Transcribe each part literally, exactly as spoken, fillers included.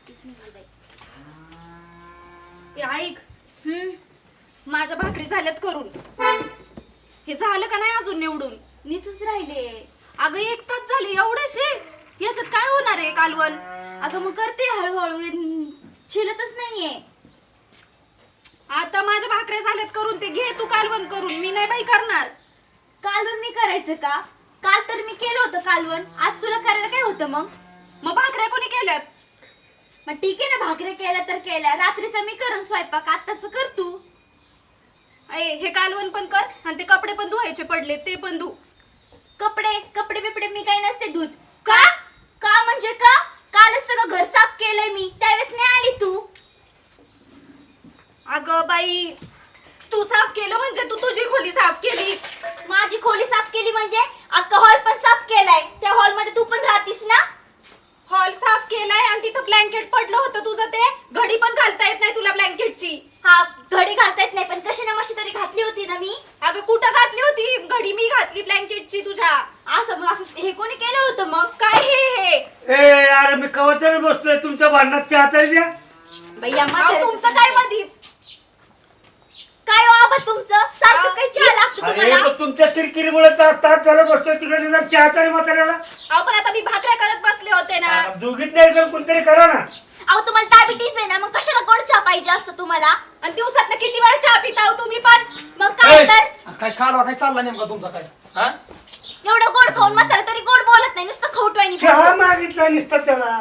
रात्रीच निघाली बाई. ए ऐक, हम्म माझ्या भाकरी झाल्यात करून. हे झालं का नाही अजून निवडून? निसूच राहिले. अगं एक तास झाले एवढेशे, याच्यात काय होणार आहे कालवण? अगं मग करते हळूहळू, चिलतच नाहीये. आता माझ्या भाकऱ्या झाल्यात करून, ते घे तू कालवण करून. मी नाही बाई करणार. कालवण मी करायचं का? काल तर मी केलं होतं कालवण, आज तुला करायला काय होतं मग? मग भाकऱ्या कोणी केल्यात? मग ठीक आहे ना, भाकऱ्या केल्या तर केल्या. रात्रीचा मी करण स्वयंपाक, आत्ताच कर तू. ए हे कालवण पण कर आणि ते कपडे पण धुवायचे पडले ते पण धु. कपडे कपडे बिपडे मी काही नसते दूध. का का म्हणजे का? कालच सगळं घर साफ केलंय मी, त्यावेळेस नाही आली तू. अगं बाई, तू साफ केलं म्हणजे तू तुझी खोली साफ केली. माझी खोली साफ केली म्हणजे अख्खा हॉल पण साफ केलाय. त्या हॉल मध्ये तू पण राहतीस ना. हॉल साफ केलाय आणि तिथं ब्लँकेट पडलं होतं तुझं, ते घडी पण घालता येत नाही तुला ब्लँकेटची. हा घडी घालता येत नाही, पण कशी ना मशी तरी घातली होती ना मी. अगं कुठं घातली होती घडी? मी घातली ब्लँकेटची तुझ्या. असं मग असं हे कोणी केलं होतं मग? काय हे हे ए अरे मी कवचाने बसलोय तुमच्या भांडणात, चहा तरी द्या. बाई अम्मा, अहो, तुमचं काय मधीच? काय हो आबा तुमचं सारखं काही चहा लागतो अरे तुम्हाला? मग तुमच्या किरकिरीमुळे तास झालं बसतोय तिकडे, निदान चहा तरी म्हाताऱ्याला. अहो पण आता मी भाकऱ्या करत बसले होते ना. दोघीत नाही जर कोणतरी करा ना. अहो तुम्हाला डायबिटीज आहे ना, मग कशाला गोड चहा पाहिजे असतं तुम्हाला? आणि दिवसात किती वेळा चहा पिता हो तुम्ही पण? मग काय तर काय कालवा काय चालला नेमका तुमचा काय? हा एवढं गोड खाऊन म्हातारा तरी गोड बोलत नाही, नुसतं खवटवाणी चहा मागितला नुसतं त्याला.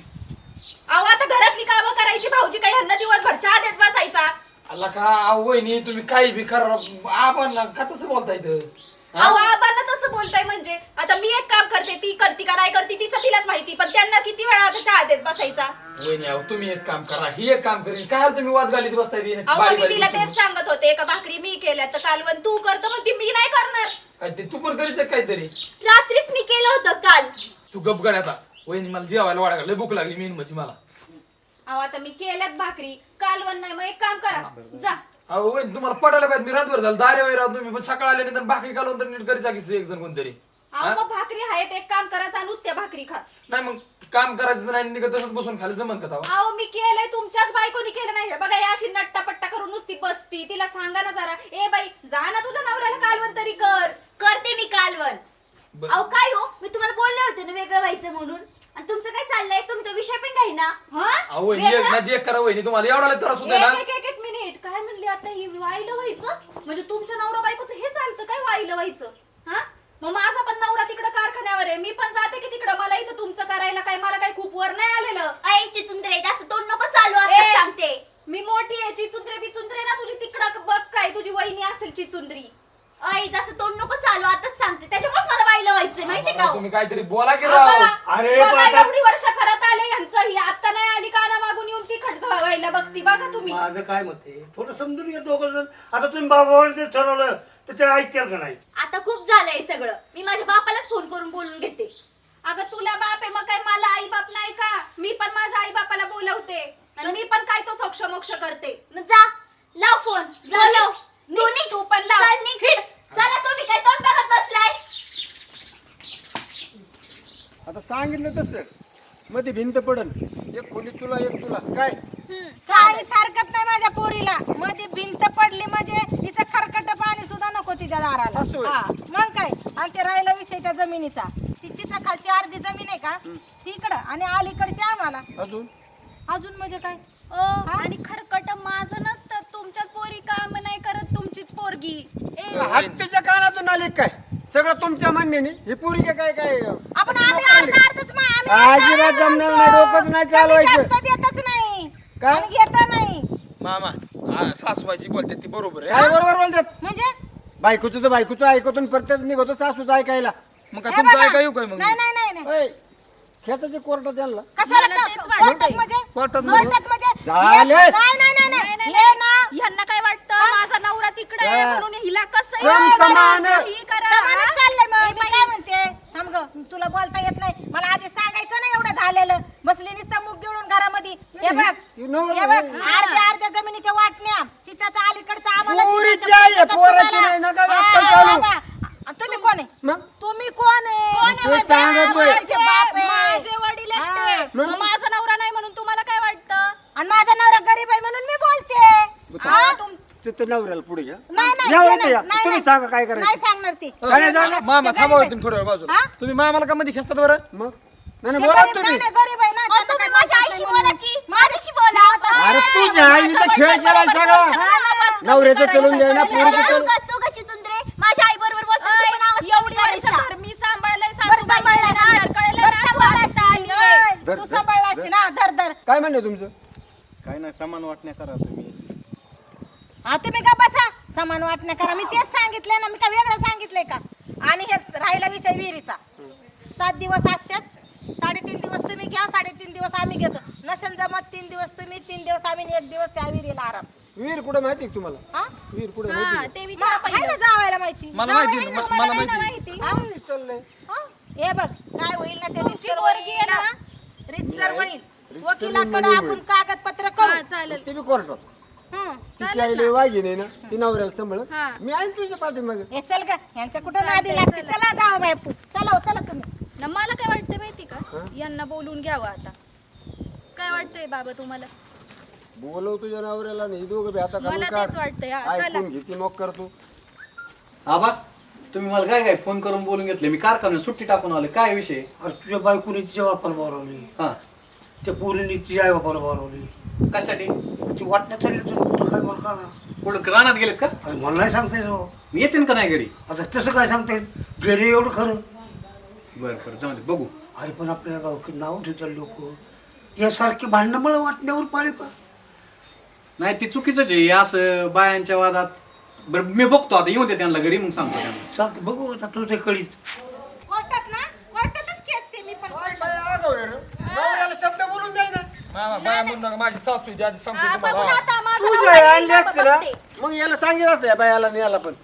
अहो आता घरातली कामं करायची, भाऊजी काही ह्यांना दिवसभर चहा देत बसायचा. अल्ला का अहो वहिनी तुम्ही काही बी करा, आपण का तसं बोलता इथं? हा? अहो आबांना तसं बोलताय म्हणजे? आता मी एक काम करते, ती करती का नाही करती तिचं तिलाच माहिती, पण त्यांना किती वेळा आता चहा देत बसायचा? वहिनी अहो तुम्ही एक काम करा, ही एक काम करीन, काय तुम्ही वाद घालीत बसताय ती? अहो बारी मी बारी तिला गोष्टी. तेच सांगत होते, का भाकरी मी केल्या तर कालवण तू करतो, म्हणते मी नाही करणार. काय ते तू पण करीच काहीतरी? रात्रीच मी केलं होतं काल. तू गप गड आता. वहिनी मला जेवायला वाढा लय भूक लागली मेन म्हणजे मला. अहो आता मी केल्यात भाकरी, कालवण नाही, मग एक काम करा, जा. अहो वहिनी तुम्हाला पटायला पाहिजे, मी रातभर झालं दारे वगैरे राहतो तुम्ही, पण सकाळ आल्यानंतर भाकरी कालवून तर नीट करीचा की एक जण कोणतरी. अहो मग भाकरी आहेत, एक काम करायचा, नुसत्या भाकरी खा. नाही मग काम करायचं नाही, निघत तसंच बसून खायला जमन का तवा? अहो मी केलंय, तुमच्याच बायकोनी केलं नाही. बघा या अशी नट्टा पट्टा करून नुसती बसती. तिला सांगा ना जरा, ए बाई जा ना तुझ्या नवऱ्याला कालवण तरी कर. करते मी कालवण. बरं. अहो काय हो, मी तुम्हाला बोलले होते ना वेगळं व्हायचं म्हणून, आणि तुमचं काय चाललंय? तुम्ही तो विषय पण काही ना. हा? अहो वहिनी एक ना एक करा वहिनी, तुम्हाला एवढा लय त्रास होतोय ना. एक एक एक मिनिट, काय म्हणली आता ही? वाईलं व्हायचं म्हणजे तुमच्या नवरा बायकोचं हे चालतं काय, वाईलं व्हायचं? हा मग माझा पण नवरा तिकडं कारखान्यावर आहे, मी पण जाते की तिकडं. मला इथं तुमचं करायला काय, मला काय खूप वर नाही आलेलं. ऐ चिचुंद्रे, जास्त तोंड नको चालू, आता ए, सांगते. मी मोठी आहे, चिचुंद्रे बिचुंद्रे ना तुझी तिकडं बघ, काय तुझी वहिनी असेल चिचुंद्री. ऐ जास्त तोंड नको चालू, आताच सांगते. त्याच्यामुळे मला वाईलं व्हायचंय माहितीये का हो? तुम्ही काहीतरी बोला की राव. अरे अरे बाबा. एवढी वर्ष करत आले यांचं, ही आता नाही आली काना मागून येऊन ती खट व्हायला बघती. बघा तुम्ही. माझं काय मत आहे, थोडं समजून घ्या दोघं जण. आता तुम्ही बाबावर जे ठरवलं तर ते ऐकतील का नाही? आता खूप झालंय सगळं. मी माझ्या बापालाच फोन करून बोलून घेते. अगं तुला बाप आहे, मग काय मला आई बाप नाही का? मी पण माझ्या आई बापाला बोलवते आणि मी पण काय तो सोक्ष मोक्ष करते. मग जा लाव फोन, बोलव. तू निघ, तू पण लाव. चल निघ. चला तुम्ही काय तोंड बघत बसलाय? आता सांगितलं तसं मध्ये भिंत पडल, एक खोली तुला एक तुला काय. काहीच हरकत नाही माझ्या पोरीला. मध्ये भिंत पडली म्हणजे हिचं खरकट पाणी सुद्धा नको तिच्या दाराला. असं होय. हा, मग काय. आणि ते राहिला विषय त्या जमिनीचा, तिचीच खालची अर्धी जमीन आहे का तिकडं, आणि अलीकडची आम्हाला. अजून अजून म्हणजे काय? आणि खरकट माझं नसतं, तुमच्याच पोरी काम नाही करत, तुमचीच पोरगी. हत्तीच्या कानातून आले काय सगळं तुमच्या म्हणण्याने. ही पोरी काय काय काय आपण आम्ही अर्धा अर्धच मा- आम्ही अर्धा अजिबात अर्धा जमणार म्हणतो. नाही, डोकंच नाही कमी चालवायचं. जास्त देतच नाही काय? आणि घेत नाही. मामा हा, सासूबाईची बोलते ती बरोबर आहे. काय बरोबर बोलतात. म्हणजे बायकोचं तर बायकोचं ऐकतून प्रत्येक निघतो सासूचं ऐकायला. मग काय हे तुमचं बघा. ऐका येऊ काय मग? नाही नाही नाही नाही. ओय, खेचाचे कोर्टात यांना कशाला मला का- तेच कोर्टात म्हणजे कोर्टात म्हणजे? कोर्टात म्हणजे झाले. हे- नाही नाही नाही नाही नाही, हे ना ह्यांना काय वाटतं माझा नवरा तिकडे आहे हा. म्हणून हिला कसं सम आहे? समान. काही करा. समानच चाललंय. मग मी काय म्हणते, थांब ग, तुला बोलता येत नाही. मला आधी सांगायचं नाही एवढं झालेलं. बसली नुसतं मुग गिळून घरामध्ये. हे बघ You know हे बघ, what? अर्ध्या अर्ध्या जमिनीच्या वाटण्या चिचाचा अलीकडचा आम्हाला पोरीची चिचाचं आई आहे, पटतं पोराची तुम्हाला. नाही ना, काय हा, अक्कल चालू. बाबा. आणि तुम्ही कोण आहे? मग तुम्ही कोण आहे? ते सांगतोय. माझे बाप आहे. माझे वडील आहेत ते. मग? मग माझा नवरा नाही म्हणून तुम्हाला काय वाटतं? गरीब आहे म्हणून मी बोलते. हा, तुम- ते तर नवऱ्याला पुढे घ्या नाही नाही या ते इथे नाही, या. नाही, तुम्ही नाही. सांगा काय करायचं. नाही सांगणार ती. काय नाही सांगणार? मामा ते थांबा गरीब तुम्ही थोड्या वेळ बाजूला हा? तुम्ही मामाला का मध्ये खेचतात बरं मग नाही नाही, ते बोला गरीब तुम्ही नाही, नाही, गरीब आहे ना अहो, त्यांना तुम्ही काय माझ्या बोलता आईशी येत बोला नाही. की माझ्याशी बोला. अरे तुझ्या आईने तर खेळ केलाय सगळा नवऱ्याचं चलून द्याय ना पोरीचं चलून तू कशी चुंदरे माझ्या आई बरोबर बोलतो तू पण आवाज एवढी कमी वर्ष करायचा. घर मी सांभाळलंय, बरं सासूबाई सांभाळला गेल्या, असशील. कळलं बरं ना, सांभाळला तू आता असशील. आली आहे. धर, तू धर, सांभाळला धर. असशील ना धर धर. काय म्हणणं तुमचं काय नाही समान वाटण्या करा तुम्ही. हा तुम्ही का बसा समान वाटण्या करा. मी तेच सांगितलंय ना, मी का वेगळं सांगितलंय का? आणि हे राहिला विषय विहिरीचा. सात दिवस असतात, साडेतीन दिवस तुम्ही घ्या, साडेतीन दिवस आम्ही घेतो. नसेल जमत तीन दिवस तुम्ही, तीन दिवस आम्ही, आणि एक दिवस त्या विहिरीला आराम. वीर कुठे माहिती का तुम्हाला हा? वीर कुठे हा, माहिती ते मा- विचारा आहे ना पहिलं. जावायला माहिती. मला जावई माहिती आहे आहे, ना, म- तुम्हाला मला नाही ना माहिती. हा? का? चाललंय हा? हे बघ काय होईल ना ते तुमची रितसर पोरगी आहे होईल ना? ना, रितसर होईल. रितसर वकिलाकडे होईल. आपण कागदपत्र हा, करू. चालेल. ते बी कोर्टात हं. तिची आईला वागी नाही ना ती नवऱ्याला सांभाळत हा. मी आहे ना तुझ्या पाठीमागे हे चल का यांच्या कुठं नादी लागते. चला जाऊ बायपू, चला हो, चला तुम्ही. ना मला काय वाटतं माहिती का, यांना बोलून घ्यावं आता. काय वाटतंय बाबा तुम्हाला? बोलव तुझ्या नवऱ्याला नाही दोघं बी आता मला घालून तेच काढ वाटतंय. हा, चला. ऐकून घेते मग करतो आबा तुम्ही मला काय काय फोन करून बोलून घेतले. मी कारखान्यात सुट्टी टाकून आले. काय विषय? अरे तुझ्या बायकोने तिच्या बापाला बोलावली, हा त्या पोरीने तिच्या आई बापाला बोलावली. कशासाठी? ती वाटण्यात चालली तुला काय बोल का ना? कुठं रानात गेलेत का? अरे मला नाही सांगता येत हो. मी येते का नाही घरी? आता तसं काय सांगता येत घरी एवढं खरं. बरं बरं जाऊ दे बघू. अरे पण आपल्या गावकी नाव ठेवतात लोक यासारखे भांडणं मला वाटण्यावर पाळी पर. नाही ती चुकीचंच आहे असं बायांच्या वादात. बरं मी बघतो आता, येऊन दे त्यांना घरी मग सांगतो त्यांना. चालतं बघू आता तुझ्या कळीच. कोर्टात ना, कोर्टातच केस ते मी पण कोर्टात. नवऱ्याला शब्द बोलून जाय ना मामा बाया म्हणू नका, माझी सासू आहे, ती आधी सांगतो हा, तुम्हाला. बघून हा. आता माझं तू नवरा जे येईल आणली ना, असते ना बघते. मग याला सांगितलं असतं या बायाला आणि याला पण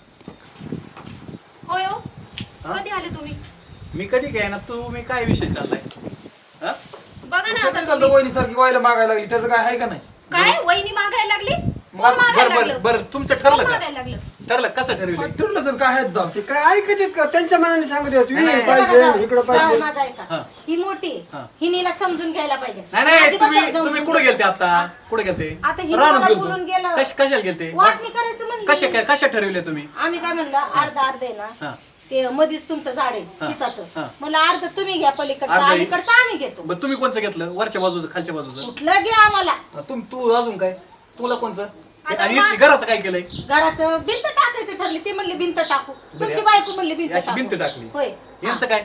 होय हो, कधी आले तुम्ही? मी कधी काय ना तू मी काय विषय चाललाय? हा? बघा ना सगळी आता चालतं तुम्ही. वहिनीसारखी व्हायला मागायला लागली त्याचं काय आहे का नाही? काय वहिनी मागायला लागली? मग कोण आता- मागायला बरं बरं लागलं? बरं तुमचं कोण ठरलं का? मागायला लागलं? ठरलं कसं ठरविलं? ठरलं तर काय आहेत दाम? ते काय ऐकत आहेत का त्यांच्या मनाने सांगत आहेत नाही, वीर नाही. पाहिजे इकडं जाऊ, पाहिजे माझा ऐका. हा. ही मोठी आहे. हा. हिनीला समजून घ्यायला पाहिजे. नाही नाही आधी तुम्ही बसा, जाऊन तुम्ही समजून कुठे गेलते घ्या. आता? कुठे गेलते? आता ही रानात मला गेलतो. बोलून गेलं. कश कशाला गेलते? वाटणी करायचं म्हणलं. कशा काय कशा ठरविले तुम्ही? आम्ही काय म्हणलं अर्ध अर्ध आहे ना हा ते मधीच तुमचं झाड आहे हा. पिसाचं. हा. म्हणलं अर्ध तुम्ही घ्या पलीकडचं, अर्ध ही- अलीकडचं आम्ही घेतो. बरं तुम्ही कोणचं घेतलं? वरच्या बाजूचं खालच्या बाजूचं? कुठलं घ्या आम्हाला. तुम तू अजून काय? तुला कोणचं? आता आणि मा- इथली घराचं काय केलंय? घराचं भिंत टाकायचं ठरली. ती म्हणली भिंत टाकू. तुमची बायको म्हणली भिंत अशी टाकू. भिंत टाकली. होय. यांचं काय?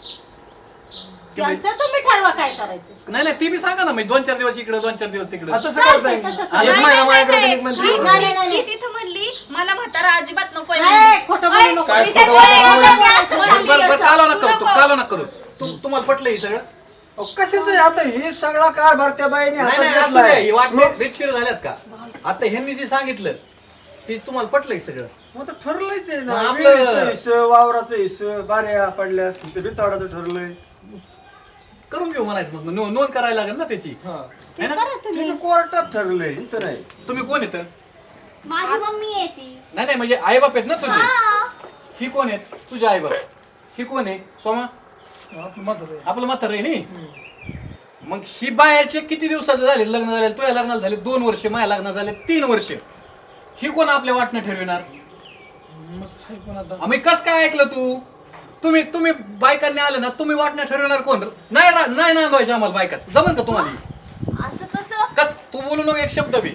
त्यांचं तुम्ही ठरवा काय करायचं. नाही नाही ती बी सांगा ना मी दोन चार दिवस इकडे दोन चार दिवस तिकडे. आता तसं चालतंय, करताय. तसंच. एक नाही, महिना नाही, माझ्याकडे नाही, एक महिना नाही, तिकडे. नाही, नाही, नाही. ती तिथं म्हणली मला म्हातारा अजिबात नको ए, खोटं बोलू नको. काय मी काय खोटं बोलू बोलू नको. नको. बरं बरं बरं कालो नका करू तू कालो नका करू. तू- तुम्हाला पटलं हे सगळं? कशाच आता हे सगळा कारभार त्या बाईने नाही हातात नाही असू घेतलाय. द्या, ही वाटणे रितशीर झाल्यात का? आता ह्यांनी जे सांगितलं ते तुम्हाला पटलं हे सगळं? मग तर ठरलंच आहे ना मग आपलं- विहिरीचं हिस्सं, वावराचं हिस्सं, बाऱ्या पडल्या ते बिताडाचं ठरलंय करून घेऊ म्हणायचं मग नो- नोंद करायला लागेल ना त्याची. हा ते करा तुम्ही. ते कोर्टात ठरलंय इथं नाही तुम्ही कोण येतं? माझी मम्मी आहे ती. नाही नाही म्हणजे आई बाप आहेत ना तुझे. हा. ही कोण आहेत? तुझे आई बाप. ही कोण आहे? सोमा आपलं म्हातारं आहे. आपलं म्हातारं आहे नी. मग ही बाहेरचे किती दिवसाचे झाले लग्न झाले? तुझ्या लग्नाला झाले दोन वर्ष, माझ्या लग्नाला झाले तीन वर्ष. ही कोण आपल्या वाटणं ठरविणार? मस्त आहे पण आता आम्ही कस काय ऐकलं तू? तुम्ही तुम्ही बायकांनी आलं ना तुम्ही वाटणं ठरविणार कोण? नाही ना- नाही नांदवायचे आम्हाला बायकाच जमन का तुम्हाला? असं कसं? कस तू बोलू नको एक शब्द बी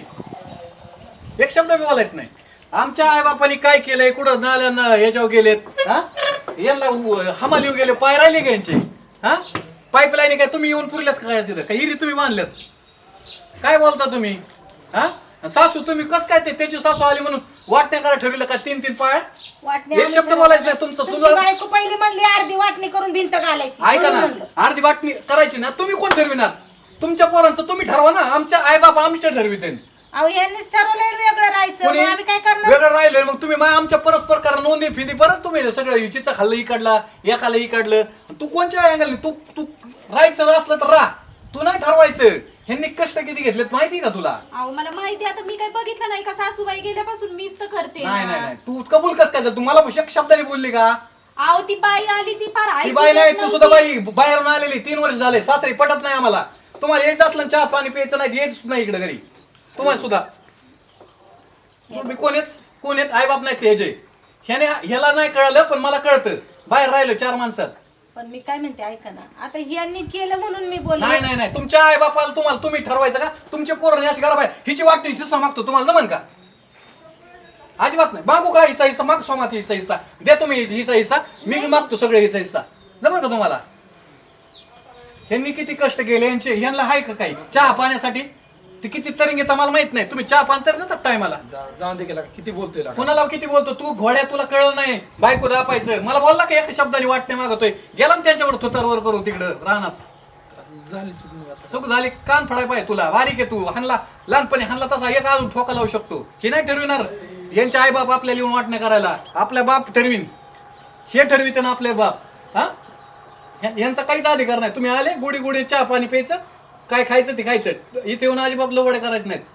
एक शब्द बी बोलायच नाही. आमच्या आई बापांनी काय केलंय? कुठं नाल्या ना याच्यावर गेलेत? हा यांना उ- हमाली गेले पाय राहिले का यांचे? हा पाईपलाईन काय तुम्ही येऊन पुरल्यात का काय तिथं? का इरी तुम्ही बांधल्यात? काय बोलता तुम्ही? हा सासू तुम्ही कस काय ते त्याची सासू आली म्हणून वाटण्या करा ठरविलं का तीन तीन पाय? वाटणी एक आम्ही शब्द ठरवलं. बोलायचं नाही तुमचं तुमची सुद्धा. बायको पहिली म्हणली अर्धी वाटणी करून भिंत घालायची. ऐका ना म्हणून म्हणलं. अर्धी वाटणी करायची ना तुम्ही कोण ठरविणार? तुमच्या पोरांचं तुम्ही ठरवा ना. आमच्या आई बाप आमच्या ठरविते. अहो यांनीच ठरवलंय वेगळं राहायचं. कोणी मग आम्ही काय करणार? वेगळं राहिलोय मग तुम्ही मा- आमच्या परस्पर करा नोंदी फिदी परत तुम्ही सगळं हिचीचं खाल्लं ही काढला एकाला ही काढलं. तू कोणच्या अँगल तू तू राहायचं असलं तर राह. तू नाही ठरवायचं. ह्यांनी कष्ट किती घेतलेत माहिती का तुला? अहो मला माहिती आता मी काय बघितलं नाही का सासूबाई गेल्यापासून मीच तर करते नाही ना. नाही नाही तू कबूल कस काय तू मला एक शब्दाने बोलली का? अहो ती बाई आली ती फार ती ऐकून बाई नाही येत तू सुद्धा नव्हती. बाई बाहेरून आलेली तीन वर्ष झाले सासरी पटत नाही आम्हाला. तुम्हाला यायचं असलं चहा पाणी प्यायचं नाही यायच नाही इकडे घरी. तुम्हाला सुद्धा तुम्ही कोणीच कोण आहेत आई बाप नाही ते जे ह्याने ह्याला नाही कळलं पण मला कळतं बाहेर राहिलं चार माणसात. पण मी काय म्हणते ऐका ना, आता ह्यांनी केलं म्हणून मी बोलले. नाही नाही नाही तुमच्या आई बापाला तुम्हाला तुम्ही ठरवायचं का तुमच्या पोरांनी अशी घरा हिची वाटते हिस्सा मागतो तुम्हाला जमन का? अजिबात नाही. मागू का हिचा हिस्सा माग सोमात हिचा हिस्सा दे तुम्ही हिचा हिस्सा मी बी मागतो सगळे हिचा हिस्सा जमन का तुम्हाला? ह्यांनी किती कष्ट केले यांचे ह्यांना आहे का काही चहा पाण्यासाठी ते किती तरी घेता मला माहित नाही. तुम्ही चहा पाणी तर देतात टायमाला. जाऊन दे गेला किती बोलतोय लागा. कोणाला किती बोलतो तू घोड्या तुला कळलं नाही बायको दापायचं मला बोलला का एका शब्दाने वाटणे मागतोय गेला ना त्यांच्यावर थुतारवर करू तिकडं रानात झाली चुकून आता. सुख झाली कान फडाय पाहिजे तुला बारीक आहे तू हानला लहानपणी हानला तसा एक अजून ठोका लावू शकतो हे नाही ठरविणार. यांचे आई बाप आपल्याला येऊन वाटणे करायला आपल्या बाप ठरवीन हे ठरविते ना आपले बाप हा यांचा काहीच अधिकार नाही. तुम्ही आले गोडी गोडी चहा पाणी प्यायचं काय खायचं ते खायचं इथे येऊन अजिबात लवडे करायचे नाहीत.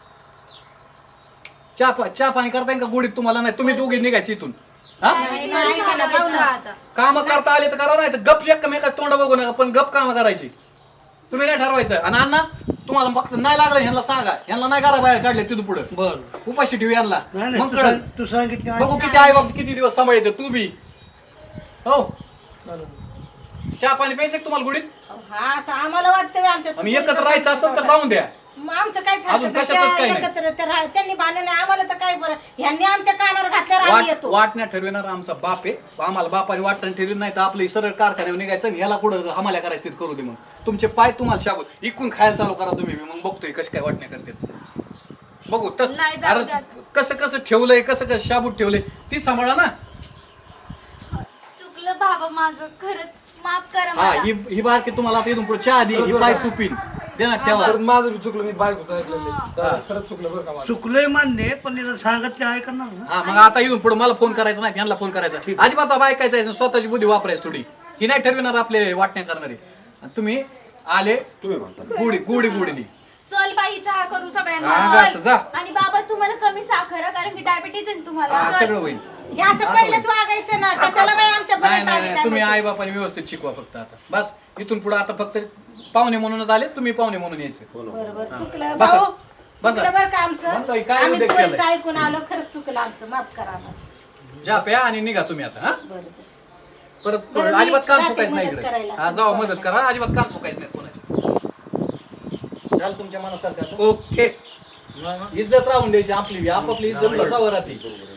चहा पा- चहा पाणी करता येईल का गोडीत तुम्हाला नाही तुम्ही दोघे निघायचे इथून हा नाही, नाही, ऐका ना, जाऊ ना. काम करता आले तर करा नाही तर गप एकमेकात तोंड बघू नका पण गप काम करायची तुम्ही नाही ठरवायचं. आणि अण्णा तुम्हाला फक्त नाही लागलं ह्यांना सांगा ह्यांना नाही करा बाहेर काढले तिथून पुढे बर उपाशी ठेवू यांना नाही नाही मग तू कळलं सांग- तू सांगितलं बघू किती आई बाप किती दिवस सांभाळते तू बी हो चालेल. चहा पाणी प्यायचं का तुम्हाला गुडीत हा असं आम्हाला वाटतं आमच्या आम्ही एकत्र राहायचं असेल तर राहून द्या. मग आमचं काय झालं अजून का? कशातच त्या काही नाही. एकत्र ते राह- त्यांनी बांधलं नाही आम्हाला तर काय बरं ह्यांनी आमच्या कानावर घातल्यावर आम्ही वाट येतो. वाटण्या ठरविणार आमचा बाप आहे आम्हाला बापाने वाटणं ठरवली नाही तर आपलं सरळ कारखान्यावर निघायचं आणि ह्याला कुठं हमाल्या करायचं ते करू दे. मग तुमचे पाय तुम्हाला शाबूत इकून खायला चालू करा तुम्ही मग बघतोय कशी काय वाटण्या करते बघू तस नाही, जाऊ अरे द्या. कसं कसं ठेवलंय कसं कसं शाबूत ठेवलंय ती सांभाळा ना. चुकलं बाबा माझं खरंच माफ करा हा मला. ही ही बारकी तुम्हाला आता इथून पुढे चहा दे ही पाय चुपीन देणार ठेवा. परत माझं बी चुकलं मी बायकोचं ऐकलेलं दादा, खरंच चुकलं बरं का माझं. चुकलंय मान्य आहे, पण इथं सांगत ते आहे करणार ना. हा मग आता इथून पुढे मला फोन करायचा नाही यांना फोन करायचा अजिबात बायकायचं आहे स्वतःची बुद्धी वापरायची थोडी ही नाही ठरविणार आपले वाटण्या करणारे. आणि तुम्ही आले गुडी गुडी गुडीनी चल बाई चहा करू हा, सगळ्यांना असं जा. आणि बाबा तुम्हाला कमी साखर आहे, कारण की डायबिटीज आहे ना तुम्हाला. हा, सगळं होईल. हे असं पहिलंच वागायचं ना कशाला बाई आमच्या नाही पर्यंत नाही आली नाही काय तुम्ही माहिती? आई बापाने व्यवस्थित शिकवा फक्त आता बस इथून पुढे आता फक्त पाहुणे म्हणूनच आले तुम्ही पाहुणे म्हणून यायचे. बरोबर चुकलं बसा. भाऊ बसा. चुकलं बरं का म्हणलं, आमचं काय आम्ही उद्योग पोरीचं केलाय? ऐकून आलो खरंच चुकलं आमचं माफ करा आम्हाला. जा प्या आणि निघा तुम्ही आता हा बरोबर परत बरं, मी अजिबात कान जाते फुकायचं नाही मदत इकडे करायला. हा जावा मदत करा अजिबात कान फुकायचं नाही कोणाचं झालं तुमच्या मनासारखं आता? ओके इज्जत राहून द्यायची आपली बी. आपापली इज्जत जावं राहते